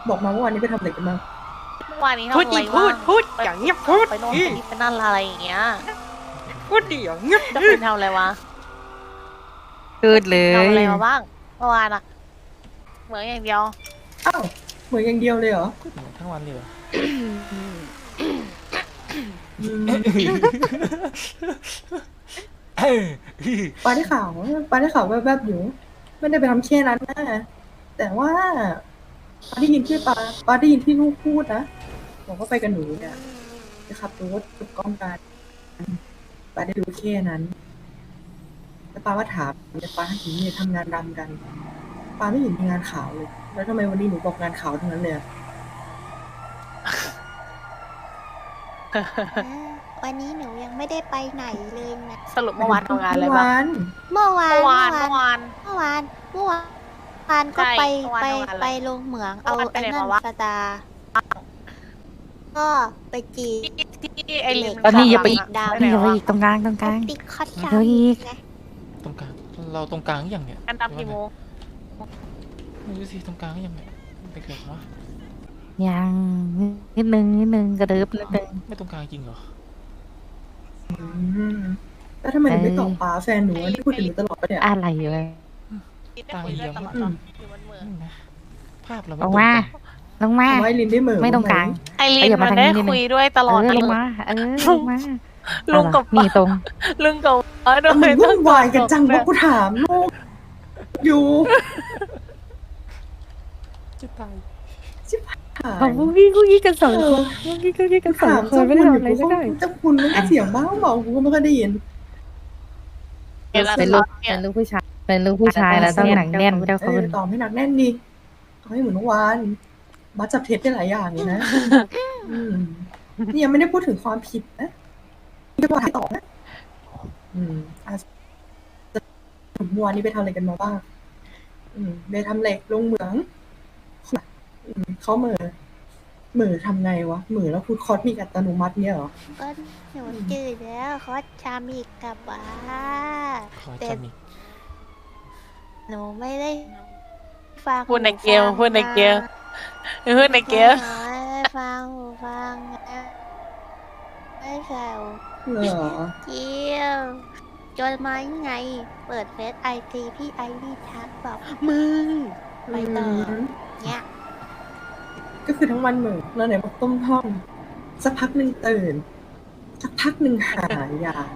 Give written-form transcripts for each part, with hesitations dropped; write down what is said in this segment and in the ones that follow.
บอกมาว่าวันนี้ไปทำอะไรกันบ้างเมื่อวานนี้ทำพูดอะไรดิบ้างพูดอย่างเงี้ยพูดไปโน่นไปนี่ไปนั่นอะไรอย่างเงี้ยพูดดิอย่างเงี้ยจะคุณทำอะไรวะพูดเลยทำอะไรมาบ้างเมื่อวานอะเหมือนอย่างเดียวอ้าวเหมือนอย่างเดียวเลยเหรอทั้งวันเลยเหรออืมปาได้ข่าวแวบๆอยู่ไม่ได้ไปทำแค่นั้นนะแต่ว่าปาได้ยินที่ปาได้ยินที่ลูกพูดนะบอกว่าไปกับหนูเนี่ยจะขับรถกับกล้องกันปาได้รู้แค่นั้นแล้วปาว่าถามแต่ปาเห็นเนี่ยทำงานดำกันปาไม่เห็นมีงานขาวเลย แล้วทำไมวันนี้หนูบอกงานขาวทั้งนั้นเลยอะวันนี้หนูยังไม่ได้ไปไหนเลยนะสรุปเมื่อวานทำงานอะไรบ้างเมื่อวานเมื่อวานเมื่อวานก็ใช่ไปเมื่อวานไปทำงานอะไรไปลงเหมืองเมื่เอาอวานไปไอ้ไหนนั่นมาวะสตาร์ก็ไปจีที่ไอ้ลิมตอนนี้อย่าไปข้งหลังะดาวนี่อย่าไปอีกตรงกลางไปติ๊กคอตเดี๋ยวอีกไงตรงกลางเราตรงกลางอย่างเนี้ยกันดำกี่โมงไม่รู้สิตรงกลางอย่างเนี้ยไปเกิดวะยังนิดนึงกระเดิบนิดนึงไม่ตรงกลางจริงเหรออืมแล้วทำไมหนูไม่ตอบป้าแฟนหนูอะที่พูดถึงหนูตลอดปะเนี่ยอะไรอยู่เลยได้คุยด้วยตลอดอืมอยู่บนเหมืองนี่นะภาพเราไม่ลตรง งมากันลงมาเอาไว้ลินได้เหมือไม่ตรงกลางไอลินขยับมัมาน ทางได้นี้นิดนึงคุยด้วยตลอดลงมาลงมาลุงกับนี่ตรงลุงกับป้าด้มึวยงวุ่นวายกันจังว่ากูถามลูกอยู่จะตายหาเอายพวกกี้กันสองคนพวกกี้กันสอถาง มคเจ้านไม่คุณทำอยู่อะไรกูไม่ได้เจ้าคุณมันก็เสียงบ้างเบากูก็ไม่ค่อยได้ยินเป็นลูกผู้ชายเป็นลูกผู้ชายแล้วต้องหนังแน่นเจ้าเอคุอณตอบให้หนักแน่นดิเอาให้เหมือนเมื่อวานบัสจับเท็จได้หลายอย่างเลยนะอืมนี่ยังไม่ได้พูดถึงความผิดนะนี่ก็ให้ตอบนะอ่ะเมื่อวานนี้ไปทำอะไรกันมาบ้างไปทำเหล็กลงเหมืองเขาเหม่อทำไงวะเหม่อแล้วพูดคอร์สมีอัตโนมัติเนี่ยเหรอก็หนูจืดแล้วคอสชามิกกับว่าขอแต่จำอีกหนูไม่ได้ฟังพูดในเกมพูดในเกมพูดในเกมหนูไม่ได้ฟังหูฟังนะไม่ใช่หูเหรอเกี่ยวจนมายังไง เปิดเฟซไอจีพี่ไอรีทักบอกมึงไปต่อเนี่ยก็คือทั้งวันเหม่อแล้วไหนบอกต้มท่อมสักพักหนึ่งตื่น สักพักหนึ่งหายา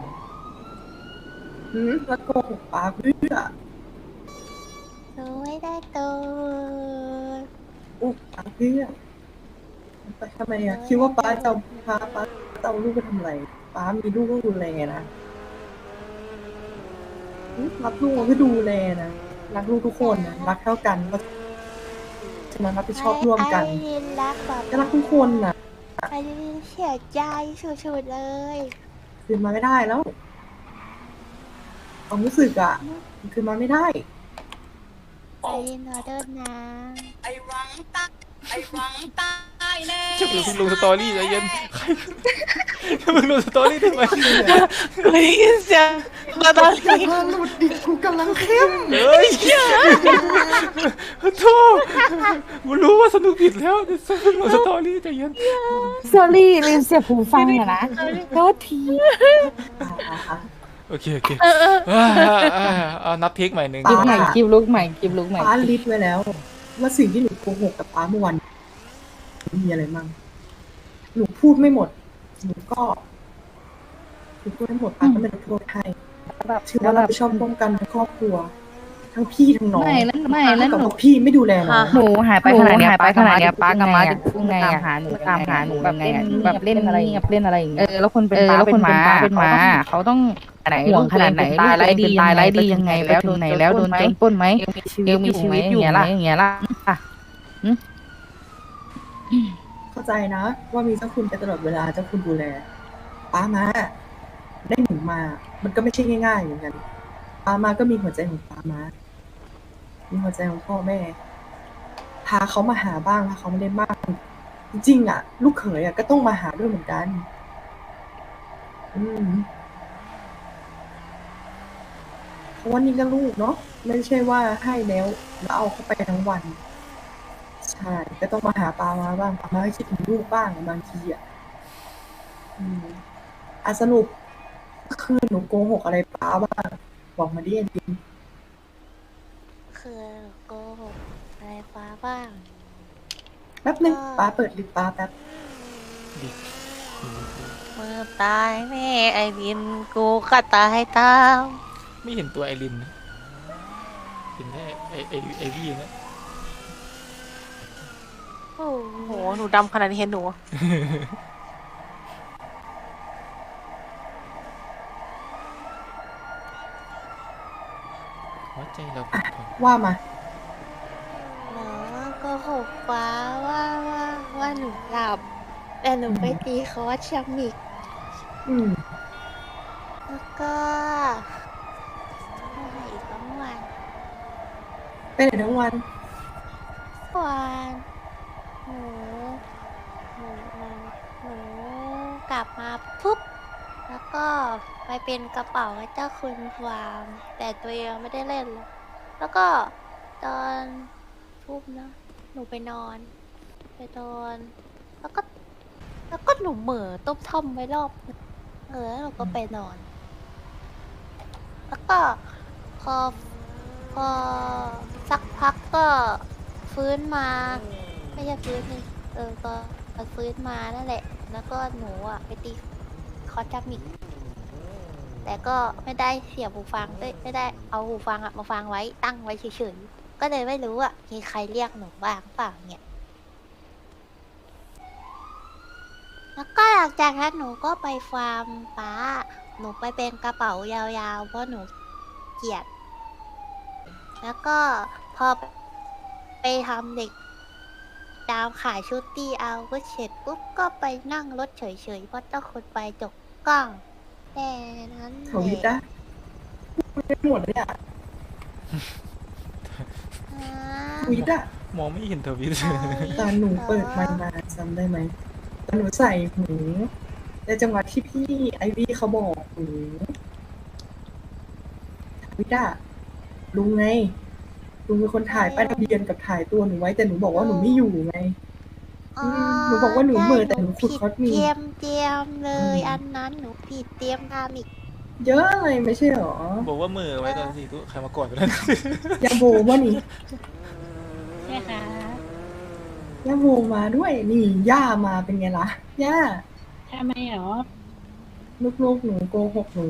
แล้วโกหกป้าเพื่อหนูไม่ได้ตัวอุ๊บป้าเพื่อไปทำไมอะคิดว่าป้าจะเอาพาป้าจะเอาลูกไปทำอะไรป้ามีลูกต้องดูแลนะรับลูกก็ดูแลนะรักลูกทุกคนนะรักเท่ากันเพราะฉะนั้นรับผิดชอบร่วมกันไอรินรักแบบก็รักทุกคนนะไอรินเสียใจสุดๆเลยคืนมาไม่ได้แล้วความรู้สึกอะคืนมาไม่ได้ไอรินขอโทษนะจะเพิ่งลงสตอรี่ใจเย็นใครจะเพิ่งลงสตอรี่ทำไมกูได้ยินเสียงมาตอนนี้ถ้าหลุดดิกูกำลังเข้มเฮ้ยโทษกูรู้ว่าสนุกผิดแล้วจะเพิ่งลงสตอรี่ใจเย็น sorry ลืมเสียบหูฟังอะนะโทษทีโอเคเอานับเทคใหม่หนึ่งคลิปใหม่คลิปลุกใหม่คลิปลุกใหม่ป้าลิสต์ไว้แล้ว ว่าสิ่งที่หนูโกหกกับป้าเมื่อวันมีอะไรมั่งหนูพูดไม่หมดหนูพูดไม่หมดป้าก็ไม่ได้โทษให้ถือว่าเราไปชอบร่วมกันทั้งครอบครัว ทั้งพี่ทั้งน้องไม่แล้วกับหนูบอกพี่ไม่ดูแลน้องหนูหายไปขนาดเนี้ยป้ากับมาจะพูดไงอะหาหนูตามหาหนูแบบไงอะแบบเล่นอะไรเงี้ยแล้วคนเป็นป้าเป็นหมาเขาต้องห่วงขนาดไหนตายไรดียังไงแล้วโดนโดนจนปล้นไหมยังมีชีวิตอยู่อย่างเงี้ยล่ะเข้าใจนะ ว่ามีเจ้าคุณไปตลอดเวลาเจ้าคุณดูแลป้ามาได้หนูมา มันก็ไม่ใช่ง่ายๆเหมือนกันป้ามาก็มีหัวใจของป้ามามีหัวใจของพ่อแม่พาเขามาหาบ้างพาเขามาเล่นบ้างจริงๆอ่ะ ลูกเขยอ่ะก็ต้องมาหาด้วยเหมือนกัน เพราะว่านี่ก็ลูกเนาะไม่ใช่ว่าให้แล้วเอาเข้าไปทั้งวัน ใช่ช่ก็ต้องมาหาปามาบ้างปามาก็คิดถึงลูกบ้างบางทีอ่ะสรุปคือหนูโกหกอะไรปาบ้างบอกมาดิจริงคือโกหกอะไรฟ้าบ้างแป๊บนึงปาเปิดลิปปาแป๊บดิมือตายแน่ไอรินกูก็ตายตามไม่เห็นตัวไอรินนะเห็นแค่ไอวี่นะโอ้โหหนูดำขนาดนี้เห็นหนูหัวใจเราผุพองว่ามาหนูโกหกฟ้าว่าหนูหลับ แต่หนูไปตีคอร์สชัมมิกอืมแล้วก็อะไรอีกทั้งวันไปไหนทั้งวันวันหนูหนูหนูหนูกลับมาปุ๊บ แล้วก็ไปเป็นกระเป๋าให้เจ้าคุณฟาร์มแต่ตัวเองไม่ได้เล่นเลยแล้วก็ตอนทุ่มนะหนูไปนอน ไปนอนแล้วก็หนูเหม่อต้มท่อมไว้รอบนึงแล้วหนูก็ไปนอน แล้วก็พอพอสักพักก็ฟื้นมา ไม่ใช่ฟื้นนี่ก็ฟื้นมานั่นแหละ แล้วก็หนูอ่ะไปตีคอร์สจับมิก แต่ก็ไม่ได้เสียบหูฟังด้วยไม่ได้เอาหูฟังอะมาฟังไว้ตั้งไว้เฉยๆ ก็เลยไม่รู้ว่ามีใครเรียกหนูบ้างเปล่าเนี่ย แล้วก็หลังจากนั้นหนูก็ไปฟาร์มป้า หนูไปเป็นกระเป๋ายาวๆ เพราะหนูเกลียด แล้วก็พอไปทำเด็กตามขายชุดตีเอาก็เสร็จปุ๊บก็ไปนั่งรถเฉยๆ เพราะเจ้าคนไปจกกล้องแต่นั้นเขาวิทย์นะไม่หมดเลยอ่ะอ่าวิทย์อ่ะมองไม่เห็นทวิตตอนหนูเปิดมันมาจำได้ไหมตอนหนูใส่หูในจังหวะที่พี่ไอวี่เขาบอกหนูวิทย์อ่ะลุงไงลุงเป็นคนถ่ายป้ายทะเบียนกับถ่ายตัวหนูไว้แต่หนูบอกว่าหนูไม่อยู่ไง หนูบอกว่าหนูเหม่อแต่หนูขุดคอสมีเตรียมเลย อันนั้นหนูผิดเตรียมทำอีกเยอะเลยไม่ใช่หรอบอกว่ามือไว้ตอน4 ทุ่มใครมากอดไปแล้วยาโบว่านี่ใช่ค่ะยาโบมาด้วยนี่ย่ามาเป็นไงล่ะย่าทำไมหรอลูกๆหนูโกหกหนู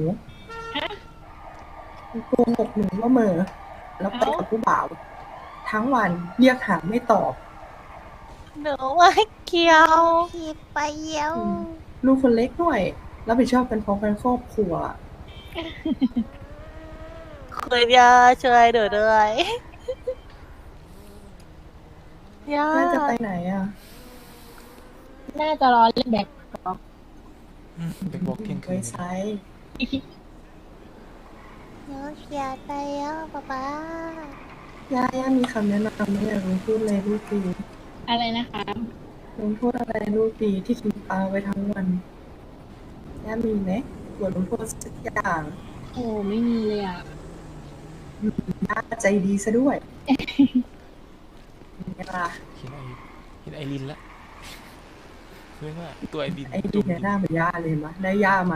โกหกหนูว่าเหม่อแล้วไปกับผู้บ่าว ทั้งวันเรียกหาไม่ตอบหนูไม่เกี่ยวผิดไปเยี่ยวลูกคนเล็กด้วยรับผิดชอบกันพร้อมกันครอบครัวคุณย่าช่วยหนูด้วยย่าน่าจะไปไหนอ่ะน่าจะรอเล่นแบ็คร็อกเป็นบอกเที่ยงคืไว้นใช้หนูเสียใจแล้วป๊าย่ามีคำแนะนำไหมอยากลุงพูดเลยลูกดีอะไรนะคะลุงพูดอะไรลูกดีที่กินปลาไว้ทั้งวันย่ามีไหมบทลงโทษสักอย่างโอ้ไม่มีเลยอ่ะย่าใจดีซะด้วยเป็นไงล่ะเห็นไอรินละเพื่อนว่าตัวไอรินไอ้ดีเนี่ยหน้าเหมือนย่าเลยมะได้ย่ามา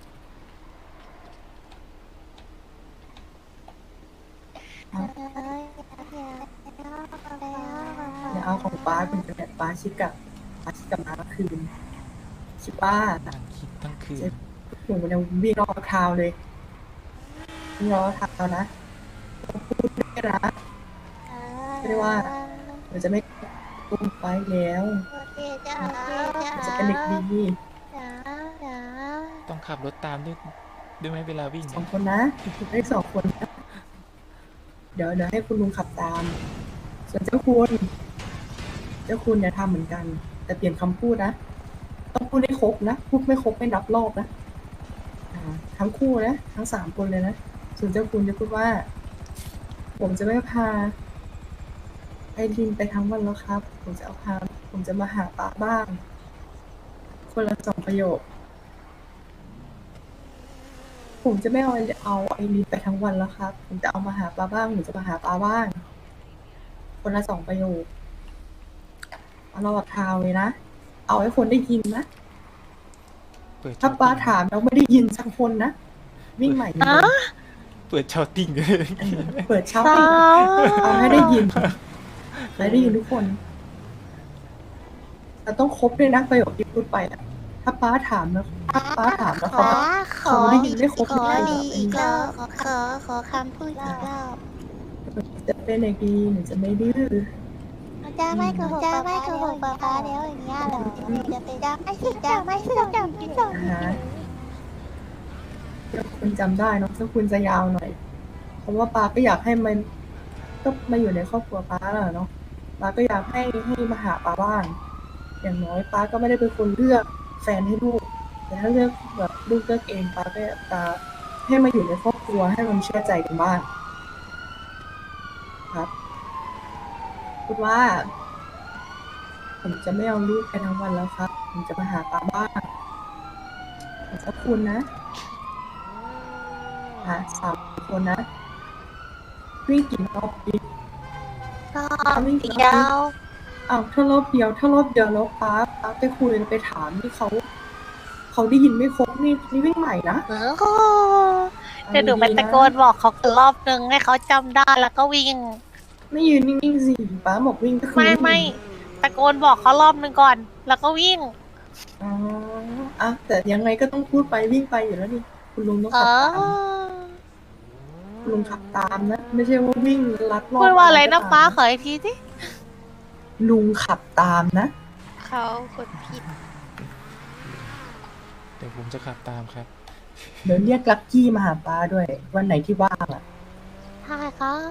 อย่าเอาของป้าเป็นแบบป้าชิกกับมาคืนชิป้านั่งคิดทั้งคืนหนูมันยังวิ่งรอบทาวน์เลยวิ่งรอบทาวน์นะพูดได้นะไม่ได้ว่าหนูจะไม่ตุ้มไปแล้วโอเคจ้าหนูจะเป็นเด็กดีจ้าต้องขับรถตามด้วยไหมเวลาวิ่งสองคนนะได้สองคนนะเดี๋ยวให้คุณลุงขับตาม ส่วนเจ้าคุณเนี่ยทำเหมือนกัน แต่เปลี่ยนคำพูดนะ ต้องพูดให้ครบนะ พูดไม่ครบไม่นับรอบนะทั้งคู่นะ ทั้ง3 คนเลยนะ ส่วนเจ้าคุณจะพูดว่า ผมจะไม่พาไอรินไปทั้งวันแล้วครับ ผมจะมาหาป้าบ้าง คนละ2 ประโยค ผมจะไม่เอาไอรินไปทั้งวันแล้วครับ ผมจะเอามาหาป้าบ้างผมจะมาหาป้าบ้าง คนละ2 ประโยคตลอดทางเลยนะ เอาให้คนได้ยินนะเปิดถ้าป้าถามแล้วไม่ได้ยินสักคนนะ วิ่งใหม่เลยเปิดชาวติ้งเลยเปิดเช้าติเอาให้ได้ยินให้ได้ยินทุกคนแต่ต้องครบด้วยนะประโยคที่พูดไปอะถ้าป้าถามแล้วเขาเขาได้ยินไม่ครบขอไม่ดีได้อีกแบรอบบขอคำพูดอีกรอบจะเป็นเด็กดีหนูจะไม่ดื้อจะไม่โกหกป้าแล้วอย่างเงี้ยเหรอจะไปจะไม่จำพี่จอนะถ้าคุณจำได้เนอะถ้าคุณจะยาวหน่อย เพราะว่าป้าก็อยากให้มันก็มาอยู่ในครอบครัวป้าแหละเนาะป้าก็อยากให้มาหาป้าบ้างอย่างน้อยป้าก็ไม่ได้เป็นคนเลือกแฟนให้ลูก แต่ถ้าเลือกแบบลูกเลือกเองป้าก็อยากจะให้มาอยู่ในครอบครัวให้มันเชื่อใจกันบ้างครับพูดว่า ผมจะไม่เอาลูกไปทั้งวันแล้วครับ ผมจะมาหาป้าบ้างขอบคุณนะ3 คนนะวิ่งกี่รอบดีก็เดียวอ้าวถ้ารอบเดียวแล้วป้าไปคุยไปถามที่เขาได้ยินไม่ครบนี่วิ่งใหม่นะเดี๋ยวหนูไปตะโกนบอกเขารอบนึงให้เขาจำได้แล้วก็วิ่งไม่ยืนนิ่งๆสิป้าบอกวิ่งก็คือไม่ตะโกนบอกเขารอบนึงก่อน แล้วก็วิ่งอ๋ออ่ะแต่ยังไงก็ต้องพูดไปวิ่งไปอยู่แล้วนี่คุณลุงต้องเอขับอตามคุณลุงขับตามนะไม่ใช่ว่าวิ่งลัดรอบพูดว่าอะไรนะก็ตมฟ้าขออีกทีสิลุงขับตามนะเขากดผิดเดี๋ยวผมจะขับตามครับเดี๋ยวเรียกลักกี้มาหาป้าด้วย วันไหนที่ว่างอ่ะใช่ครับ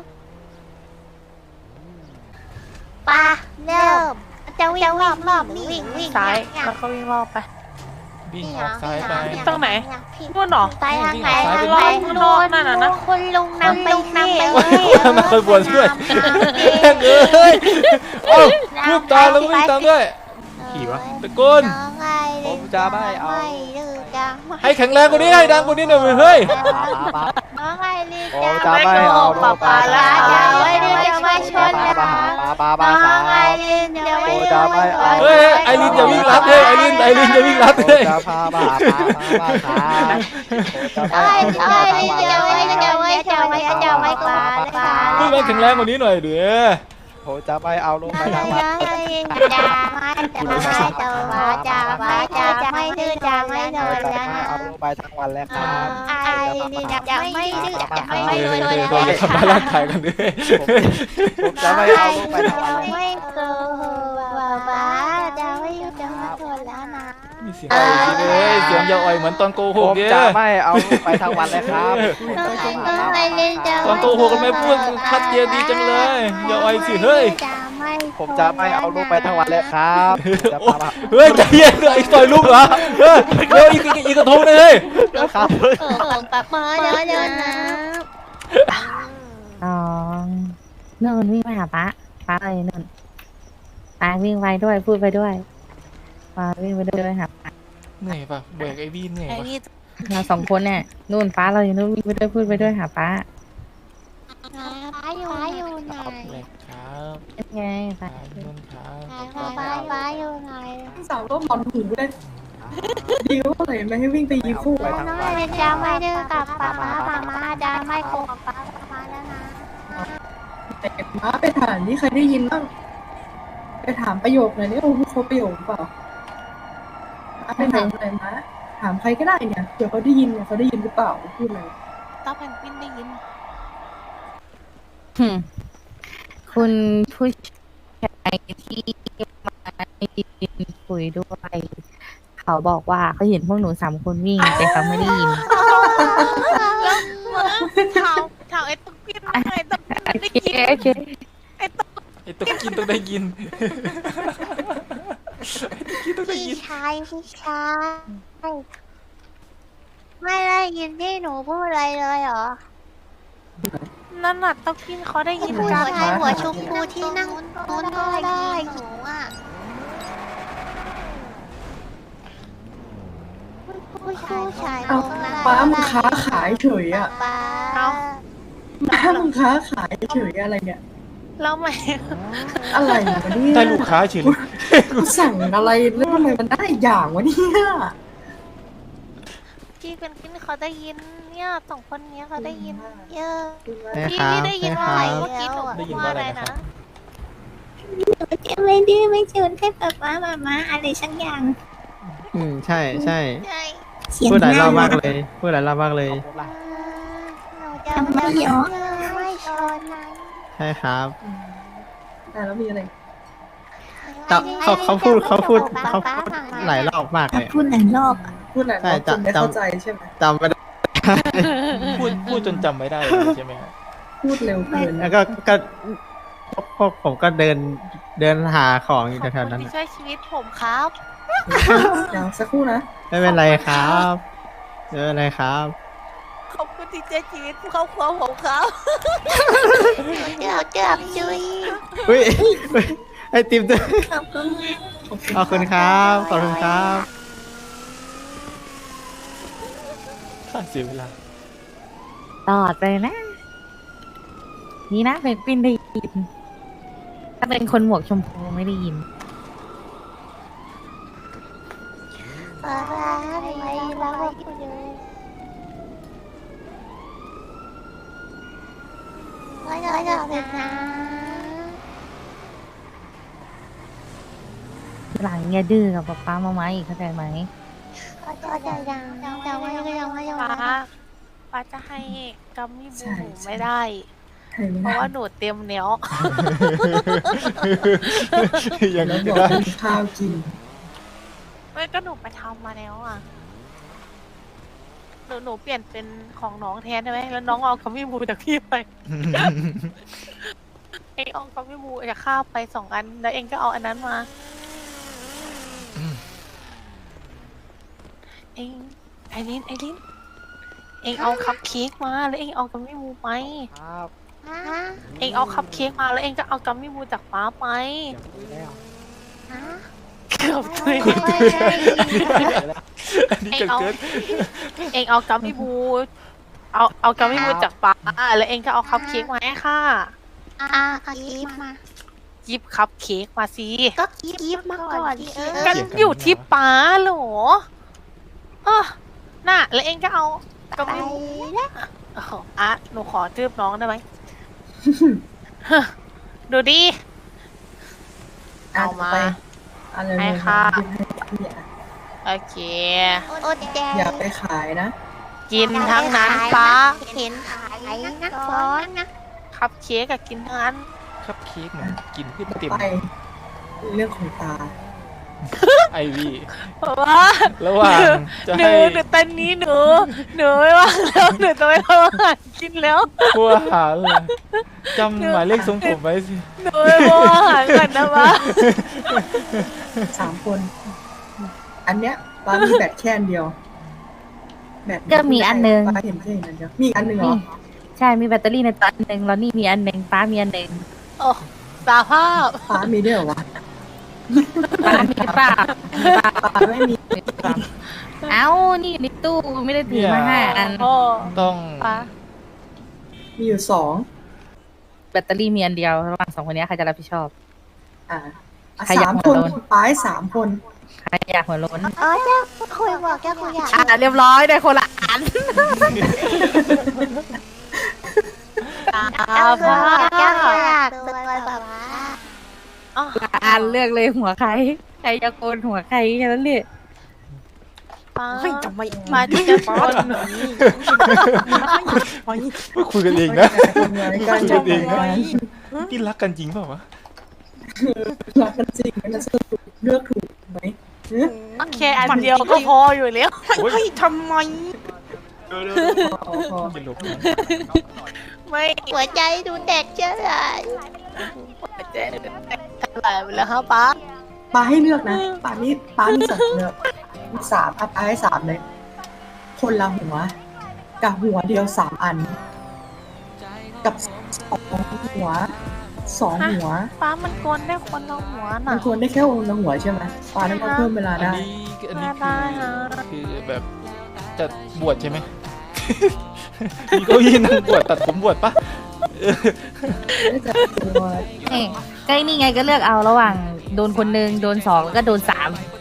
ป้าเริ่มจะวิ่งรอบวิ่งซ้ายแล้วก็วิ่งรอบไปวิ่งออกซ้ายไปตรงไหน นู่นเหรอไปทางไหนวิ่งรอบข้างนอกนั่นน่ะนะคุณลุงนำไปสิมาคอยบวนด้วยแม่งเอ้ยเอ้าวิ่งตามแล้ววิ่งตามด้วย ขี่วะตะโกนผมจะไม่เอาให้แข็งแรงกว่านี้ให้ดังกว่านี้หน่อยเฮ้ยน้องไอรีผมจะไม่เอาป๊าป๊าแล้วจะไม่ชนนะป้าน้องสาวไอรีนจะไม่ผมจะไม่เอาเฮ้ยไอรินอย่าวิ่งลัดเฮ้ยไอรินอย่าวิ่งลัดผมเฮ้ยจะพามาหาป้าสาวผมจะไอไม่เอารีนจะไม่ปลาพูดมันแข็งแรงกว่านี้หน่อยเด้อผมจะไม่เอาลงไปทางวัดจะไม่ดื้อจะไม่โดผมนจะแล้วไม่นะเอาลงไปทางวันแล้วครับไอรีนจะไม่ดื้อจะไม่เฮ้ยโดนเฮ้ยแล้วเฮ้ยอย่าทำร้ายร่างกายกันด้วยผมจะไม่เอาลงไปทางวันแล้วไม่โกหกป้าจะไม่จะไม่โดนแล้วนะมีเสียงอะไรเลยเสียงอย่าอ่อยเหมือนตอนโกหผกมเนี่ยจะไม่เอาลงไปทางวันแล้วครับไอรีนจะตอนโกหกกันไม่พูดชัดเจนดีจังเลยอย่าอ่อยสิเฮ้ยผมจะไม่เอาลงไปทางวันแล้วครับจะพามาเฮ้ยใจเย็นเลยไอ้ต่อยลูกเหรอเฮ้ยเร็วอีกกระทงเลยเฮ้ยครับมาเดินนะ 2นู่นวิ่งไปหาป้าเลยนู่นป้าวิ่งไปด้วยพูดไปด้วยป้าวิ่งไปด้วยหาป้าเหนื่อยป่ะเบรกไอ้บี้เหนื่อยไอ้ป่ะนี่เรา2 คนเนี่ยนู่นป้าเราอยู่นู่นวิ่งไปด้วยพูดไปด้วยหาป้าป้าอยู่ไหนแบกครับเป็นไงป้าขายเงินครับป้าอยู่ไหนสาวก็บอลหูได้ดีก็เลยไม่ให้วิ่งไปยิงคู่ไปทางน้องวันไอรีนจะไม่ดื้อกับป้าจะไม่โกหกป้าแล้วนะแต่ป้าไปถามนี่ใครได้ยินบ้างไปถามประโยคหน่อยนี่โอ้โหครบประโยคเปล่าป้าไปถามอะไรนะถามใครก็ได้เนี่ยเดี๋ยวเขาได้ยินเนี่ยเขาได้ยินหรือเปล่าพูดเลยต้าแพนกวินได้ยินคุณผู้ชายที่มาคุยด้วย เขาบอกว่าเขาเห็นพวกหนู3 คนวิ่งแต่เขาไม่ได้ยินถามไอ้ตุ๊กกินไอ้ตุ๊กกินโอได้เคยินโอเคไอ้ตุ๊กกินต้องได้ยินต้องได้ยิพี่นชายไม่ได้ยินที่หนูพูดอะไรเลยเหรอนั่นน่ะตุ๊กกินเขาได้ยินผู้กันชายหัวชมพูที่นั่งนู้นก็ได้หนูอ่ะผู้ชายเอาป้ามึงค้าขายเฉยอ่ะป้าป้ามึงค้าขายเฉยอะไรเนี่ยแล้วไหมอะไรวะเนี่ยได้ลูกค้าเฉยเลยกูสั่งอะไรแล้วทำไมมันได้อย่างวะเนี่ยพี่เป็นกินเขาได้ยินเนี่ยสองคนเนี้ยเขาได้ยินเยอะใช่พี่ครับได้ยินใช่ว่าคอะไรรับเมื่อกี้หนูพูดว่าอะไรนะจะไม่ดื้อไม่ชนให้ป๊าป๊ามาอะไรสักอย่างใช่ใช่ใช่พูดหลายรอบมากเลย พูดหลายรอบมากเลยหนูจะไม่ยอมไม่ชนนะใช่ครับแล้วมีอะไรแต่เขาพูดหลายรอบมากเลยพูดหลายรอบพูดหลายรอบจนไม่เข้าใจใช่ไหมจำไม่ได้พูดจนจำไม่ได้เลยใช่ไหมครับพูดเร็วเกินแล้วก็พวกผมก็เดินหาของอยู่ขอบแถวคุๆณนั้นที่ช่วยชีวิตผมครับเดี๋ยวสักครู่นะไม่เป็นไรครับไม่เป็นไรครับขอบคุณที่ช่วยชีวิตครอบครัวผมครับเกือบจุยอุ้ยไอติมด้วยขอบคุณขอบคุณครับขอบคุณครับค่าเสียเวลาตอดไปนะ นี่นะเป็นปินได้ยิน ถ้าเป็นคนหมวกชมพูไม่ได้ยินอะไรแล้วคุณเลยก็จะเป็นนะหลังอย่าดื้อกับป๊าป๊ามาอีกเข้าใจไหมก็จะยังแต่ว่าก็ยังไม่ยอมป้าจะให้กัมมี่บูใช่หนูใช่ไม่ได้ใครไม่เพได้ราะว่าหนูเตรียมเนี้ยยังแล้วไงบก็อกได้มีข้าวกินไม่ก็หนูไปทำมาแล้วอ่ะ หนูเปลี่ยนเป็นของน้องแทนได้ไหมแล้วน้องเอากัมมี่บูจากพี่ไป เองเอากัมมี่บูจากข้าวไป2 อัน แล้วเองก็เอาอันนั้นมา เองไอรินเองเอาคัพเค้กมาแล้วเองเอากัมมี่บูไปครับเองเอาคัพเค้กมาแล้วเองก็เอากัมมี่บูจากป้าไป เกือบตุยอันนี้เกิดเองเอากัมมี่บู เอากัมมี่บูจากป้าแล้วเองก็เอาคัพเค้กมาให้ค่ะเอากีบมาหยิบคัพเค้กมาสิก็กีบมาก่อนดิกันอยู่ที่ป้าเหรอน่ะแล้วเองก็เอากัมไปมี่บูแล้วโอ้โหอ่ะหนูขอทืบน้องได้ไหม ดูดิ เอามาไปอะไรให้เลยค่ะเนี่ยโอเคอดแดงอย่าไปขายนะกินทั้งนั้นป้าเห็นขายนะก้อนนะคัพเค้กกับกินทั้งนั้นครับเค้กมันกินขึ้นเต็มไป เรื่องของตาไอวีเพราะว่าระหว่างจะหนูให้ตอนนี้หนูไม่ว่างแล้วหนูจะไปทำอาหารกินแล้วพวกอาหารเลยจำหมายเลขทรงผมไว้สิหนูไปทำอาหารก่อนนะวะ 3 คน อันเนี้ยป้ามีแบตแค่อันเดียว แบตก็มีอันหนึ่งป้าเห็นแค่อันเดียว มีอีกอันหนึ่งเหรอใช่มีแบตเตอรี่ในตัวอันหนึ่งแล้วนี่มีอันหนึ่งป้ามีอันหนึ่งโอ้สาภาพป้ามีด้วยเหรอวะป้ามีเปล่าป้าไม่มีเอ้านี่ในตู้ไม่ได้ถือมา5 อันโอ้ต้องป้ามีอยู่แบตเตอรี่มีอันเดียวระหว่าง2 คนนี้ใครจะรับผิดชอบอ่ะใครอยากสามหัคว นโล้นป้าให้3 คนใครอยากหัวโล้นอ๋อเจ้าคุยบอกเจ้าคุยอยากเรียบร้อยได้คนละอันสาเจ้าคุยภาบอกเจ้าคุยอพยากตัวแบบว่าอ๋ออันเลือกเลยหัวใครจะโกนหัวใครแค่นั้นเลยป้ามาที่จะป้อนคุยกันเองนะการคุยจักับ นเองนะไว้นี่รักกันจริงเปล่าวะรักกันจริงมันสรุปเลือกถูกไหมโอเคอันเดียวก็พออยู่แล้วโอ้ยพอจะหลบนะไม่หัวใจดูเด็กเจ้าเลยเจ๊อะไรไปแล้วฮะป้าป้าให้เลือกนะป้ามี2เลือกมี3ป้าให้3เลย คนละหัว กับหัวเดียว3 อัน กับ2 หัว 2 หัวป้ามันโกนได้คนละหัวมัน่ะนควรได้แค่องค์ละหัวใช่ไหมป้าได้มาเพิ่มเวลาอันได้นี้ได้ฮะคือแบบจะบวชใช่ไหม มีเก้าอี้นั่งบวชตัดผมบวชปะได้จากตัวนี่ก็นี่ไงก็เลือกเอาระหว่างโดนคนหนึ่งโดนสองแล้วก็โดนสาม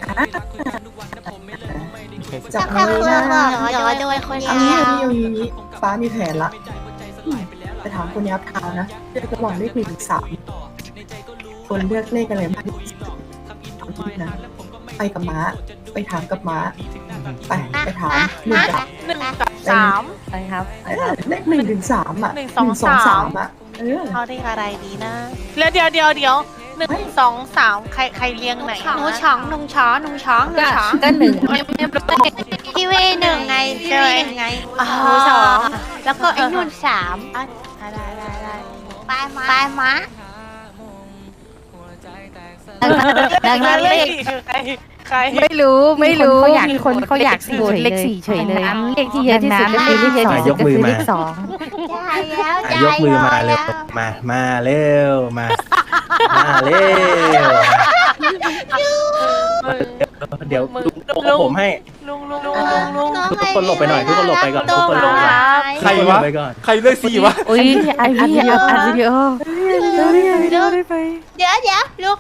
จับถ้ามือเพื่หอนน้าบอกอย่าโดนคนเอาเดีงี้ยวเอางี้ป้ามีแผนละไปถามคนยับเท้านะเลือกระหว่างเลข1 ถึง 3คนเลือกเลขอะไรมากที่สุดนะไปกับม้าไปถามกับม้าไปถามหนึ่งกับ 1 กับ 3 ไปครับเลข1 ถึง 3อ่ะ 1 2 3 อ่ะเอาเลขอะไรดีนะเดี๋ยว1 2 3ใครเรียงไหนหนูช้องหนูช้องหนูช้องหนูก็ช้องก็หนึ่งพี่เวหนึ่งไงพี่เวหนึ่งไงอ๋อหนูสองแล้วก็ไอ้นุ่นสามได้ปลายม้าดังนั้นเลขคือใครไม่รู้มีคนเขาอยากโหวตเลขสี่เฉยเลยเลขที่เยอะที่สุดก็คือเลขเยอะที่สุดก็คือเลขสองได้แล้วยกมือมาเร็วมาเร็วมาเร็วเดี๋ยวลุงผมให้ลุงทุกคนหลบไปหน่อยทุกคนหลบไปก่อนทุกคนหลบไปก่อนใครวะไปก่อนใครเลือกสี่วะอุ้ยอัดวิดีโอเดี๋ยวลูกเดี๋ยวลุง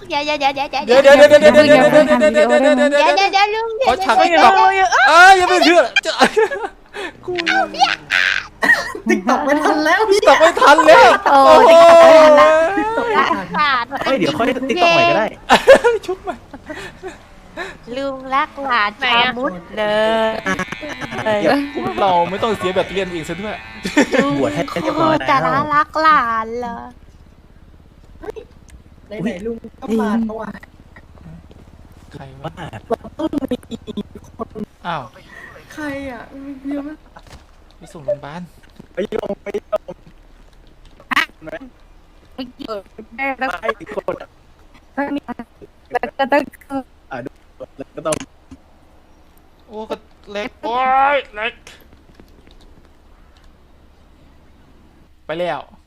เขาฉากติ๊กต็อกยังไม่เชื่อกูติ๊กต็อกไม่ทันแล้วพี่ตอกไม่ทันแล้วโอ้โหขาดเฮ้ยเดี๋ยวค่อยติ๊กต็อกใหม่ก็ได้ชุบมาลุงรักหลานชามุดเลยพวกเราไม่ต้องเสียแบตเตอรี่อีกซะด้วยบวชให้เรียบร้อยจะแล้วน่ารักหลานเหรอไหนลุงก็มาเมื่อวานใครวะว่าต้องมีคนอ้าวใครอ่ะเยอะมากไปส่งโรงพยาบาลไปยงไม่เกี่ยวแล้วไปอีกคนก็ต้องแล้วก็ต้องโอ้ก็เล็กโอ้ยเล็กไปแล้ว